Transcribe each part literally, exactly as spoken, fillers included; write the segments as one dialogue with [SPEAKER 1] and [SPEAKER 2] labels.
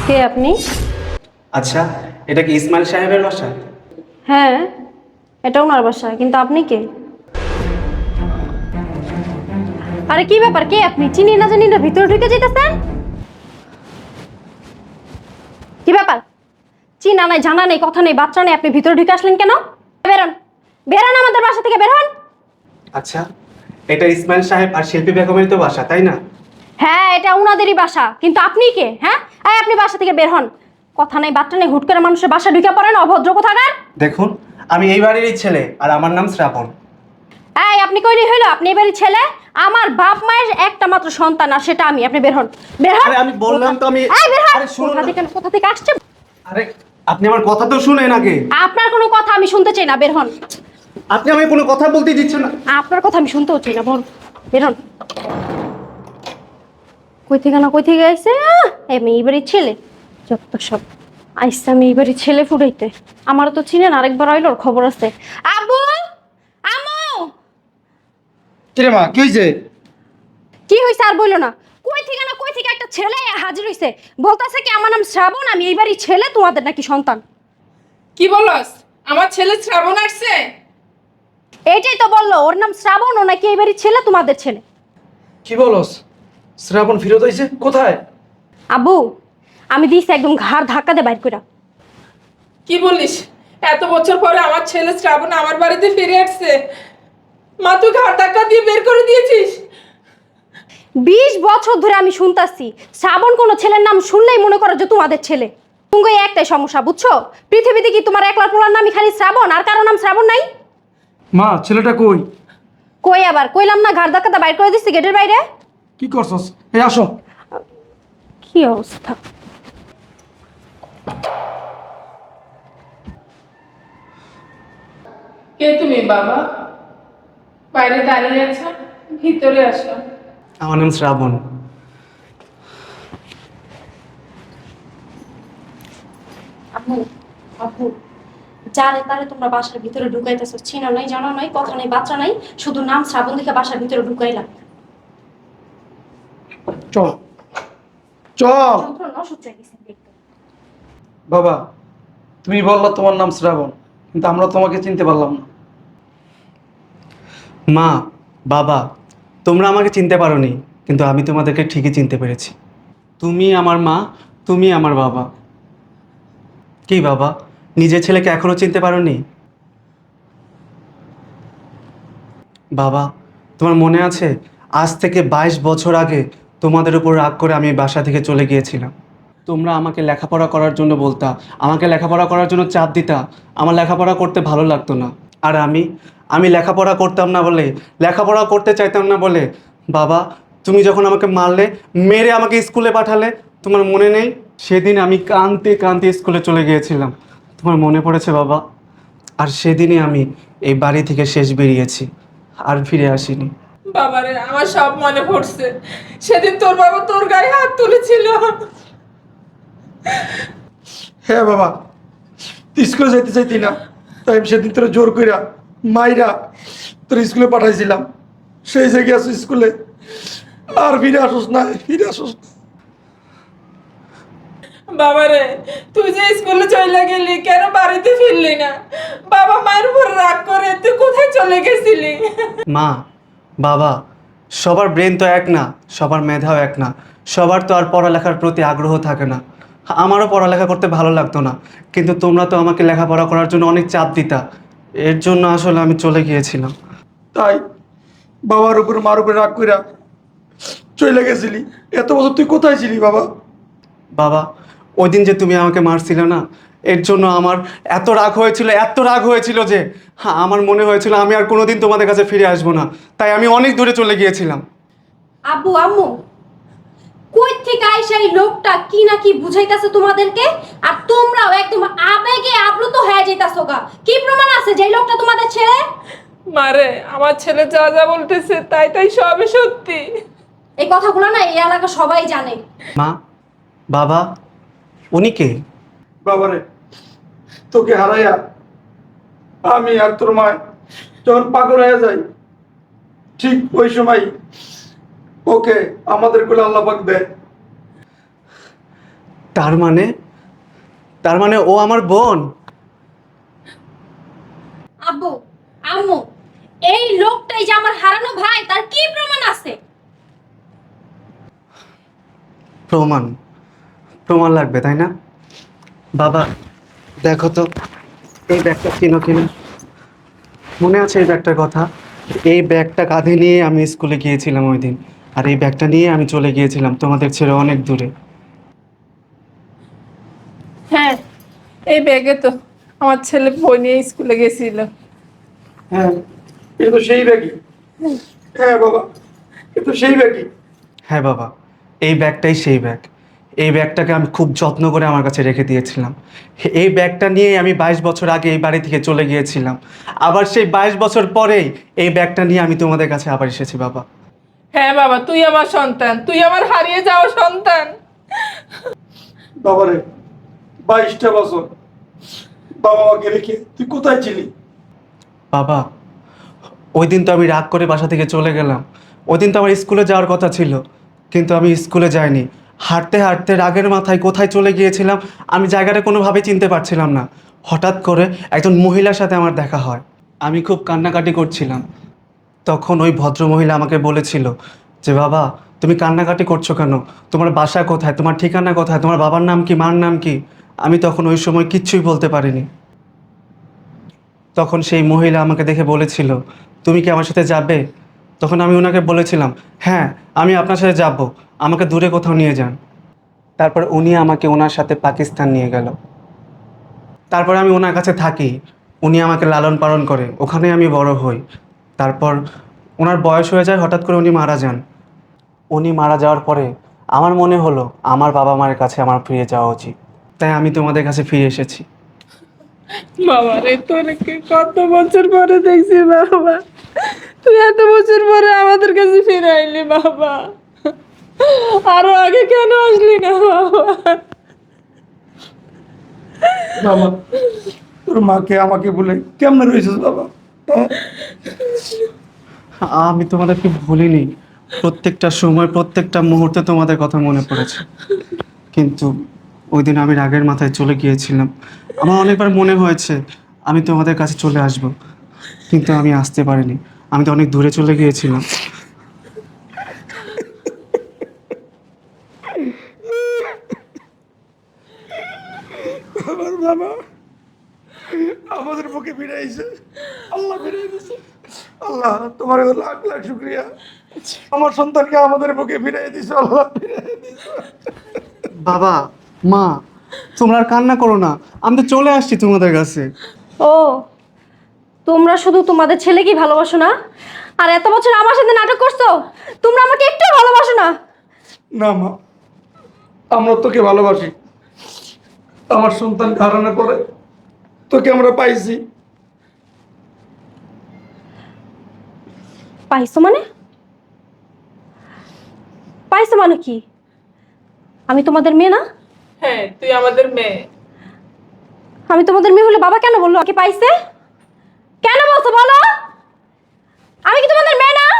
[SPEAKER 1] কে আপনি?
[SPEAKER 2] আচ্ছা, এটা কি ইসমাইল সাহেবের বাসা?
[SPEAKER 1] হ্যাঁ, এটা ওনার বাসা, কিন্তু আপনি কে? আরে কি ব্যাপার, কে আপনি? চিনি না জানি না ভিতরে ঢুকে যেতেছেন। কি ব্যাপার? চিনা নাই, জানা নেই, কথা নেই, বাচ্চা নেই, আপনি ভিতরে ঢুকে আসলেন কেন? বেরোন, বেরোন আমাদের বাসা থেকে, বেরোন।
[SPEAKER 2] আচ্ছা, এটা ইসমাইল সাহেব আর শিল্পী বেগমের তো বাসা, তাই না?
[SPEAKER 1] হ্যাঁ, এটা উনাদেরই বাসা, কিন্তু আপনি কে? হ্যাঁ, এই আপনি বাসা থেকে বের হন। কথা নেই, বাচ্চা নেই, হুট করে মানুষের বাসা ঢুকে পড়েন, অভদ্র কোথাকার।
[SPEAKER 2] দেখুন, আমি এই বাড়িরই ছেলে আর আমার নাম শ্রাবণ।
[SPEAKER 1] এই আপনি কইলি হইলো আপনি এবারই ছেলে? আমার বাপ মায়ের একটা মাত্র সন্তান, আর সেটা আমি। আপনি বের হন, বের হন।
[SPEAKER 2] আরে আমি বললাম তো আমি
[SPEAKER 1] এই বের হন।
[SPEAKER 2] আরে শুনুন
[SPEAKER 1] কোথা
[SPEAKER 2] না।
[SPEAKER 1] থেকে কোথা থেকে আসছে?
[SPEAKER 2] আরে আপনি আমার কথা তো শুনেন আগে।
[SPEAKER 1] আপনার কোনো কথা আমি শুনতে চাই না, বের হন।
[SPEAKER 2] আপনি আমাকে কোনো কথা বলতে দিচ্ছেন না।
[SPEAKER 1] আপনার কথা আমি শুনতেও চাই না, বল, বের হন। কই থেকে না কই থেকে আইছে? আহ, আমি এইবারই ছেলে। যত সব আইসা আমি এইবারই ছেলে ফুটাইতে। আমারও তো চিনেন, আরেকবার আইলো, ওর খবর আছে। আবু, আম্মু।
[SPEAKER 3] কিরে মা কি হয়েছে?
[SPEAKER 1] কি হইছে আর বইলো না। কই থেকে না কই থেকে একটা ছেলে হাজির হইছে, বলতাছে কি আমার নাম শ্রাবণ, আমি এইবারই ছেলে, তোমাদের নাকি সন্তান।
[SPEAKER 4] কি বলস? আমার ছেলে শ্রাবণ আসছে?
[SPEAKER 1] এইটাই তো বললো, ওর নাম শ্রাবণ, ও নাকি এইবারই ছেলে, তোমাদের ছেলে।
[SPEAKER 3] কি বলস? শ্রাবণ ফিরত হয়েছে কোথায়?
[SPEAKER 1] আবু, আমি দিছি একদম ঘাড় ধাক্কা দিয়ে বাইর কইরা।
[SPEAKER 4] কি বলিস? এত বছর পরে আমার ছেলে শ্রাবণ আমার বাড়িতে ফিরে আসছে। মা তুই ঘাট ধাক্কা দিয়ে বের করে দিয়েছিস?
[SPEAKER 1] বিশ বছর ধরে আমি শুনতাছি শ্রাবণ কোনো ছেলের নাম শুনলেই মনে করো যে তোমাদের ছেলে। তুমি এই একটাই সমস্যা, বুঝছো? পৃথিবীতে কি তোমার একলা পোলার নামই খালি শ্রাবণ, আর কারো নাম শ্রাবণ নাই?
[SPEAKER 3] মা ছেলেটা কই?
[SPEAKER 1] কই আবার কইলাম না, ঘাড় ধাক্কাটা বাইর করে দিচ্ছি গেটের বাইরে।
[SPEAKER 3] কি করছস? এই আসো।
[SPEAKER 1] কি অবস্থা!
[SPEAKER 4] কে তুমি বাবা? বাইরে দাঁড়িয়ে আছো, ভিতরে আসো।
[SPEAKER 2] আমার নাম শ্রাবণ।
[SPEAKER 1] আপু, আপু, যারে তারে তোমরা বাসার ভিতরে ঢুকাইতেছো, চিনা নাই, জানা নাই, কথা নাই, বাচ্চা নাই, শুধু নাম শ্রাবণ দেখে বাসার ভিতরে ঢুকাইলাম।
[SPEAKER 3] চল চল।
[SPEAKER 1] যন্ত্রণা অসহ্য হয়ে গেছে দেখতে।
[SPEAKER 3] বাবা, তুমি বললা তোমার নাম শ্রাবণ, কিন্তু আমরা তোমাকে চিনতে পারলাম না।
[SPEAKER 2] মা, বাবা, তোমরা আমাকে চিনতে পারোনি, কিন্তু আমি তোমাদেরকে ঠিকই চিনতে পেরেছি। তুমি আমার মা, তুমি আমার বাবা। কি বাবা, নিজের ছেলেকে এখনো চিনতে পারোনি? বাবা, তোমার মনে আছে আজ থেকে বাইশ বছর আগে তোমাদের উপর রাগ করে আমি বাসা থেকে চলে গিয়েছিলাম। তোমরা আমাকে লেখাপড়া করার জন্য বলতা, আমাকে লেখাপড়া করার জন্য চাপ দিতা। আমার লেখাপড়া করতে ভালো লাগতো না। আর আমি আমি লেখাপড়া করতাম না বলে, লেখাপড়া করতে চাইতাম না বলে বাবা, তুমি যখন আমাকে মারলে, মেরে আমাকে স্কুলে পাঠালে, তোমার মনে নেই? সেদিন আমি কাঁদতে কাঁদতে স্কুলে চলে গিয়েছিলাম। তোমার মনে পড়েছে বাবা? আর সেদিনই আমি এই বাড়ি থেকে শেষ বেরিয়েছি, আর ফিরে আসিনি।
[SPEAKER 4] বাবারে, আমার সব মনে পড়ছে। সেদিন তোর বাবা তোর গায়ে হাত তুলেছিল।
[SPEAKER 3] হ্যাঁ বাবা, তুই স্কুলে যাইতে চাইতি না, তাই আমি সেদিন তোরা জোর কইরা মাইরা তোর স্কুলে পাঠাইছিলাম। সেই জায়গায় আসো স্কুলে, আর ফিরে আসোস না, ফিরে আসোস না।
[SPEAKER 4] বাবারে, তুই যে স্কুলে চলে গেলি, কেন বাড়িতে ফিরলি না? বাবা মায়ের উপর রাগ করে তুই কোথায় চলে গেছিলি?
[SPEAKER 2] মা, বাবা, সবার ব্রেন তো এক না, সবার মেধাও এক না, সবার তো আর পড়ালেখার প্রতি আগ্রহ থাকে না। আমারও পড়ালেখা করতে ভালো লাগতো না, কিন্তু তোমরা তো আমাকে লেখাপড়া করার জন্য অনেক চাপ দিতা। এর জন্য আসলে আমি চলে গিয়েছিলাম।
[SPEAKER 3] তাই বাবার উপর মার উপরে রাগ কইরা চলে গেছিলি? এত বছর তুই কোথায় ছিলি বাবা?
[SPEAKER 2] বাবা, ওই দিন যে তুমি আমাকে মারছিলে না, এর জন্য আমার এত রাগ হয়েছিল, এত রাগ হয়েছিল যে হ্যাঁ, আমার মনে হয়েছিল আমি আর কোনোদিন তোমাদের কাছে ফিরে আসবো না। তাই আমি অনেক দূরে চলে গিয়েছিলাম।
[SPEAKER 1] আব্বু, আম্মু, কই থেকে আইসা এই লোকটা কি না কি বুঝাইতাছে তোমাদেরকে, আর তোমরাও একদম আবেগে আপ্লুত হয়ে যাইতাছো গা। কি প্রমাণ আছে যে এই লোকটা তোমাদের ছেলে?
[SPEAKER 4] মারে, আমার ছেলে যা যা বলতেছে তাই তাই সবই সত্যি।
[SPEAKER 1] এই কথাগুলো না এই এলাকা সবাই জানে।
[SPEAKER 2] মা, বাবা, উনি কে?
[SPEAKER 3] বাবারে, তোকে হারাইয়া আমি আর তোর মা যখন পাগল হয়ে যাই, ঠিক ওই সময় ওকে আমাদের কোলে আল্লাহ পাক দেয়।
[SPEAKER 2] তার মানে তার মানে ও আমার বোন?
[SPEAKER 1] আব্বু আম্মু, এই লোকটাই যে আমার হারানো ভাই, তার কি প্রমাণ আছে?
[SPEAKER 2] প্রমাণ? প্রমাণ লাগবে তাই না? বাবা দেখো তো, এই ব্যাগটা কিনো কিনো। মনে আছে এই ব্যাগটার কথা? এই ব্যাগটা কাঁধে নিয়ে আমি স্কুলে গিয়েছিলাম ওই দিন, আর এই ব্যাগটা নিয়ে আমি চলে গিয়েছিলাম তোমাদের ছেড়ে অনেক দূরে।
[SPEAKER 4] হ্যাঁ, এই ব্যাগে তো আমার ছেলে বই নিয়ে স্কুলে গেছিল।
[SPEAKER 3] হ্যাঁ, এ তো সেই ব্যাগই। হ্যাঁ বাবা, এ তো সেই ব্যাগই।
[SPEAKER 2] হ্যাঁ বাবা, এই ব্যাগটাই সেই ব্যাগ। এই ব্যাগটাকে আমি খুব যত্ন করে আমার কাছে রেখে দিয়েছিলাম। এই ব্যাগটা নিয়ে আমি বাইশ বছর আগে এই বাড়ি থেকে চলে গিয়েছিলাম। আবার সেই বাইশ বছর পরেই এই ব্যাগটা নিয়ে আমি তোমাদের কাছে আবার এসেছি বাবা।
[SPEAKER 4] হ্যাঁ বাবা, তুই আমার সন্তান, তুই আমার হারিয়ে যাওয়া সন্তান।
[SPEAKER 3] বাবারে, বাইশটা বছর বাবা মাকে রেখে তুই কোথায় ছিলি?
[SPEAKER 2] বাবা, ওই দিন তো আমি রাগ করে বাসা থেকে চলে গেলাম। ওই দিন তো আমার স্কুলে যাওয়ার কথা ছিল, কিন্তু আমি স্কুলে যাইনি। হাঁটতে হাঁটতে রাগের মাথায় কোথায় চলে গিয়েছিলাম আমি জায়গাটা কোনোভাবেই চিনতে পারছিলাম না। হঠাৎ করে একজন মহিলার সাথে আমার দেখা হয়। আমি খুব কান্নাকাটি করছিলাম। তখন ওই ভদ্রমহিলা আমাকে বলেছিল যে বাবা, তুমি কান্নাকাটি করছো কেন? তোমার বাসা কোথায়? তোমার ঠিকানা কোথায়? তোমার বাবার নাম কি, মার নাম কি? আমি তখন ওই সময় কিচ্ছুই বলতে পারিনি। তখন সেই মহিলা আমাকে দেখে বলেছিল, তুমি কি আমার সাথে যাবে? তখন আমি ওনাকে বলেছিলাম, হ্যাঁ আমি আপনার সাথে যাব, আমাকে দূরে কোথাও নিয়ে যান। তারপর উনি আমাকে ওনার সাথে পাকিস্তান নিয়ে গেল। তারপর আমি ওনার কাছে থাকি, উনি আমাকে লালন পালন করে, ওখানে আমি বড় হই। তারপর ওনার বয়স হয়ে যায়, হঠাৎ করে উনি মারা যান। উনি মারা যাওয়ার পরে আমার মনে হলো আমার বাবা মায়ের কাছে আমার ফিরে যাওয়া উচিত, তাই আমি তোমাদের কাছে ফিরে এসেছি।
[SPEAKER 4] বাবা রে, তোরকে কত বছর পরে দেখছি বাবা, তুই এত বছর পরে আমাদের কাছে ফিরে আইলি বাবা। আরো আগে কেন আসলি না বাবা?
[SPEAKER 3] বাবা, তোর মাকে আমাকে বলে কেমনে রয়েছিস বাবা? হ্যাঁ?
[SPEAKER 2] আমি তোমাদেরকে ভুলিনি। প্রত্যেকটা সময় প্রত্যেকটা মুহূর্তে তোমাদের কথা মনে পড়েছে, কিন্তু ওই দিন আমি রাগের মাথায় চলে গিয়েছিলাম। আমার অনেকবার মনে হয়েছে আমি তোমাদের কাছে চলে আসব, কিন্তু আমি আসতে পারিনি। আমি তো অনেক দূরে চলে গিয়েছিলাম।
[SPEAKER 3] আমার বাবা আমাদের বুকে ফিরে আইছে, আল্লাহ ফিরে দিছে। আল্লাহ তোমার লাখ লাখ শুক্রিয়া, আমার সন্তানকে আমাদের বুকে ফিরিয়ে দিছো। আল্লাহ ফিরিয়ে দিছো।
[SPEAKER 2] বাবা, মা, তোমরা আর কান্না করো না, আমি তো চলে আসছি তোমাদের কাছে।
[SPEAKER 1] ও, তোমরা শুধু তোমাদের ছেলেকেই ভালোবাসো না, আর এত বছর আমার সাথে নাটক করছো? তোমরা আমাকে একটু ভালোবাসো না?
[SPEAKER 3] না মা, আমরা তোকে ভালোবাসি। আমার সন্তান হারানোর পরে তোকে আমরা পাইছি।
[SPEAKER 1] পাইছো মানে? পাইছো মানে কি? আমি তোমাদের মেয়ে না?
[SPEAKER 4] হ্যাঁ, তুই আমাদের মেয়ে।
[SPEAKER 1] আমি তোমাদের মেয়ে হলে বাবা কেন বললো আমাকে পাইছে? কেন বলছো বলো? আমি কি তোমাদের মেয়ে না?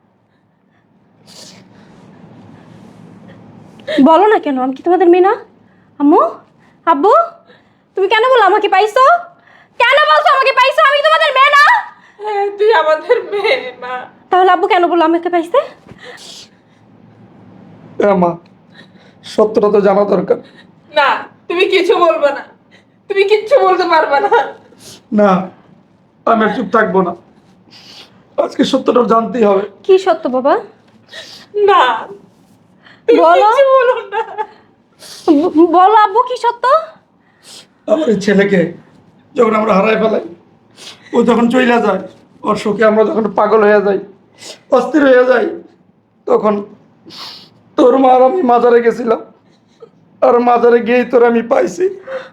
[SPEAKER 1] বলো না কেন আমি কি তোমাদের মেয়ে না? আম্মু, আব্বু, তুমি কেন বললো আমাকে পাইছো? কেন বলছো আমাকে পাইছো? আমি কি তোমাদের মেয়ে না?
[SPEAKER 4] হ্যাঁ, তুই আমাদের মেয়ে মা।
[SPEAKER 1] তাহলে আব্বু কেন বললো আমাকে পাইছে?
[SPEAKER 3] হ্যাঁ মা, সত্যটা তো জানা দরকার।
[SPEAKER 4] না, তুমি কিছু বলবে না, তুমি কিচ্ছু বলতে পারবে না।
[SPEAKER 3] না, আমি আর চুপ থাকবো না, আজকে সত্যটা জানতেই হবে।
[SPEAKER 1] কি সত্য বাবা?
[SPEAKER 4] না, তুমি
[SPEAKER 1] বলো।
[SPEAKER 4] কিচ্ছু বলো না।
[SPEAKER 1] ব- বলো আব্বু, কি সত্য?
[SPEAKER 3] আমার এই ছেলেকে যখন আমরা হারাই ফেলাই, ও যখন চইলা যায়, ওর শোকে আমরা যখন পাগল হয়ে যাই, অস্থির হয়ে যাই, তখন তোর মা আর আমি মাজারে গেছিলাম, আর মাজারে গিয়েই তোর আমি পাইছি।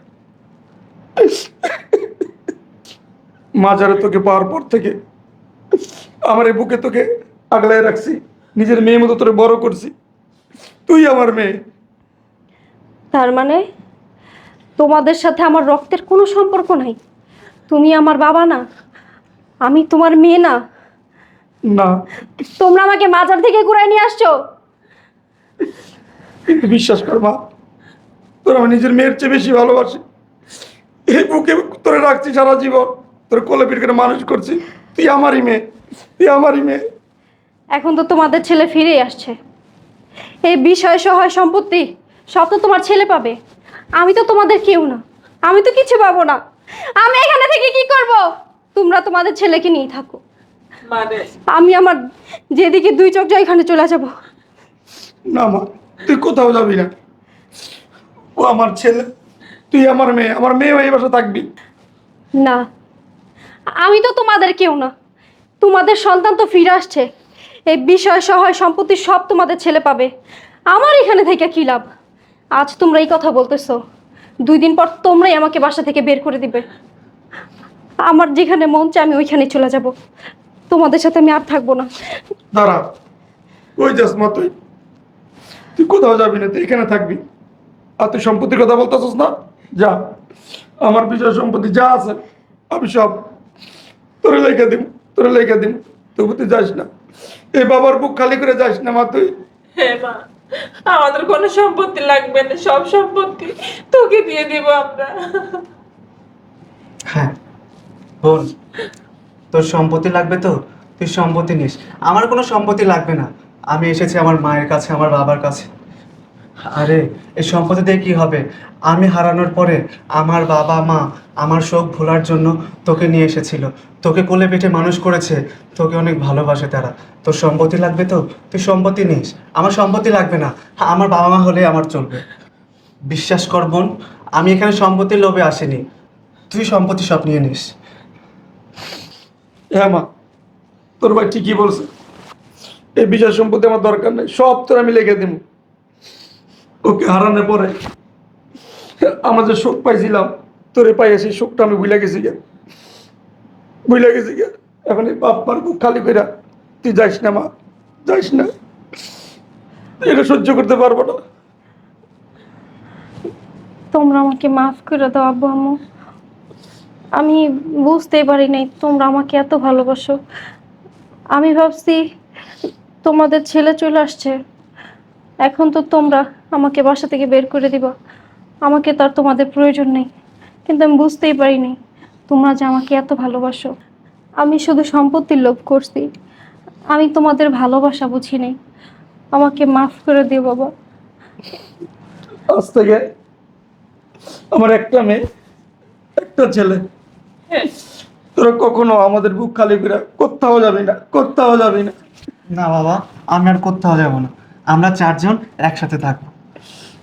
[SPEAKER 3] মাজারে তোকে পাওয়ার পর থেকে আমার এই বুকে তোকে আগলায় রাখছি, নিজের মেয়ে মতো তোরে বড় করছি। তুই আমার মেয়ে।
[SPEAKER 1] তার মানে তোমাদের সাথে আমার রক্তের কোনো সম্পর্ক নাই? তুমি আমার বাবা না, আমি তোমার মেয়ে না?
[SPEAKER 3] না,
[SPEAKER 1] তোমরা আমাকে মাজার থেকে ঘুরাই নিয়ে আসছো?
[SPEAKER 3] কিন্তু বিশ্বাস কর মা, তোর আমি নিজের মেয়ের চেয়ে বেশি ভালোবাসি। এই বুকে তোরে রাখছি সারা জীবন, তোর কোলে পিঠ করে মানুষ করছি। তুই আমারই মেয়ে, তুই আমারই মেয়ে।
[SPEAKER 1] এখন তো তোমাদের ছেলে ফিরেই আসছে। এই বিষয় সহায় সম্পত্তি সব তো তোমার ছেলে পাবে। আমি তো তোমাদের কেউ না, আমি তো কিছু পাবো না। আমি এখানে থেকে কি করব? তোমরা তোমাদের ছেলেকে নিয়ে থাকো।
[SPEAKER 4] মানে
[SPEAKER 1] আমি আমার যেদিকে দুই চোখ যায় এখানে চলে যাব।
[SPEAKER 3] না মা, তুই কোথাও যাবি না। ও আমার ছেলে, তুই আমার মেয়ে, আমার মেয়ে এই বাসা থাকবি।
[SPEAKER 1] না, আমি তো তোমাদের কেউ না। তোমাদের সন্তান তো ফিরে আসছে। এই বিষয় সহায় সম্পত্তি সব তোমাদের ছেলে পাবে। আমার এখানে থেকে কি লাভ? আজ তোমরা এই কথা বলতেছো, দুই দিন পর তোমরাই আমাকে বাসা থেকে বের করে দিবে। আমার যেখানে মন চায় আমি ওইখানে চলে যাব। তোমাদের সাথে আমি আর থাকবো না।
[SPEAKER 3] দাঁড়া, ওই যাস মা, তুই তুই কোথাও যাবি না, তুই এখানে থাকবি। আর তুই সম্পত্তির কথা বলতেছিস না, যা। আমার বিষয় সম্পত্তি যা আছে আমি সব তোরে লেখা দিব, তোরে লেখা দিব। তবু তুই যাস না, এই বাবার বুক খালি করে যাস না মা তুই।
[SPEAKER 4] হ্যাঁ মা, আমাদের কোনো সম্পত্তি লাগবে না, সব সম্পত্তি তোকে দিয়ে দিব আমরা।
[SPEAKER 2] হ্যাঁ বোন, তোর সম্পত্তি লাগবে তো তুই সম্পত্তি নিস। আমার কোনো সম্পত্তি লাগবে না। আমি এসেছি আমার মায়ের কাছে, আমার বাবার কাছে। আরে এই সম্পত্তি দিয়ে কী হবে? আমি হারানোর পরে আমার বাবা মা আমার শোক ভোলার জন্য তোকে নিয়ে এসেছিল, তোকে কোলে পিঠে মানুষ করেছে, তোকে অনেক ভালোবাসে তারা। তোর সম্পত্তি লাগবে তো তুই সম্পত্তি নিস। আমার সম্পত্তি লাগবে না, আমার বাবা মা হলে আমার চলবে। বিশ্বাস কর বোন, আমি এখানে সম্পত্তির লোভে আসিনি। তুই সম্পত্তি সব নিয়ে নিস।
[SPEAKER 3] হ্যাঁ মা, তোর ভাই ঠিকই বলছে। এই বিষয় সম্পত্তি আমার দরকার নেই, সব তোর আমি লিখে দিব। ওকে হারানোর পরে আমরা যে শোক পাইছিলাম, তোরে পাই সেই শোকটা আমি ভুলে গেছি গে, ভুলে গেছি গে। এখন এই বাপ মার বুক খালি কইরা তুই যাইস না মা, যাইস না। এটা সহ্য করতে পারবো না।
[SPEAKER 1] তোমরা আমাকে মাফ করে দাও আব্বু আম্মু। আমি বুঝতেই পারি নাই তোমরা আমাকে এত ভালোবাসো। আমি ভাবছি তোমাদের ছেলে চলে আসছে, এখন তো তোমরা আমাকে বাসা থেকে বের করে দিবা। আমাকে তো আর তোমাদের প্রয়োজন নেই। কিন্তু আমি বুঝতেই পারিনি তোমরা যে আমাকে এত ভালোবাসো। আমি শুধু সম্পত্তির লোভ করছি, আমি তোমাদের ভালোবাসা বুঝি নাই। আমাকে মাফ করে দিও বাবা।
[SPEAKER 3] আজ থেকে আমার একটা মেয়ে, একটা ছেলে। তোরা কখনো আমাদের বুক খালি করে কোথাও যাবি না, কোথাও যাবি না।
[SPEAKER 2] না বাবা, আমি আর কোথাও যাবো না। আমরা চারজন একসাথে থাকবো।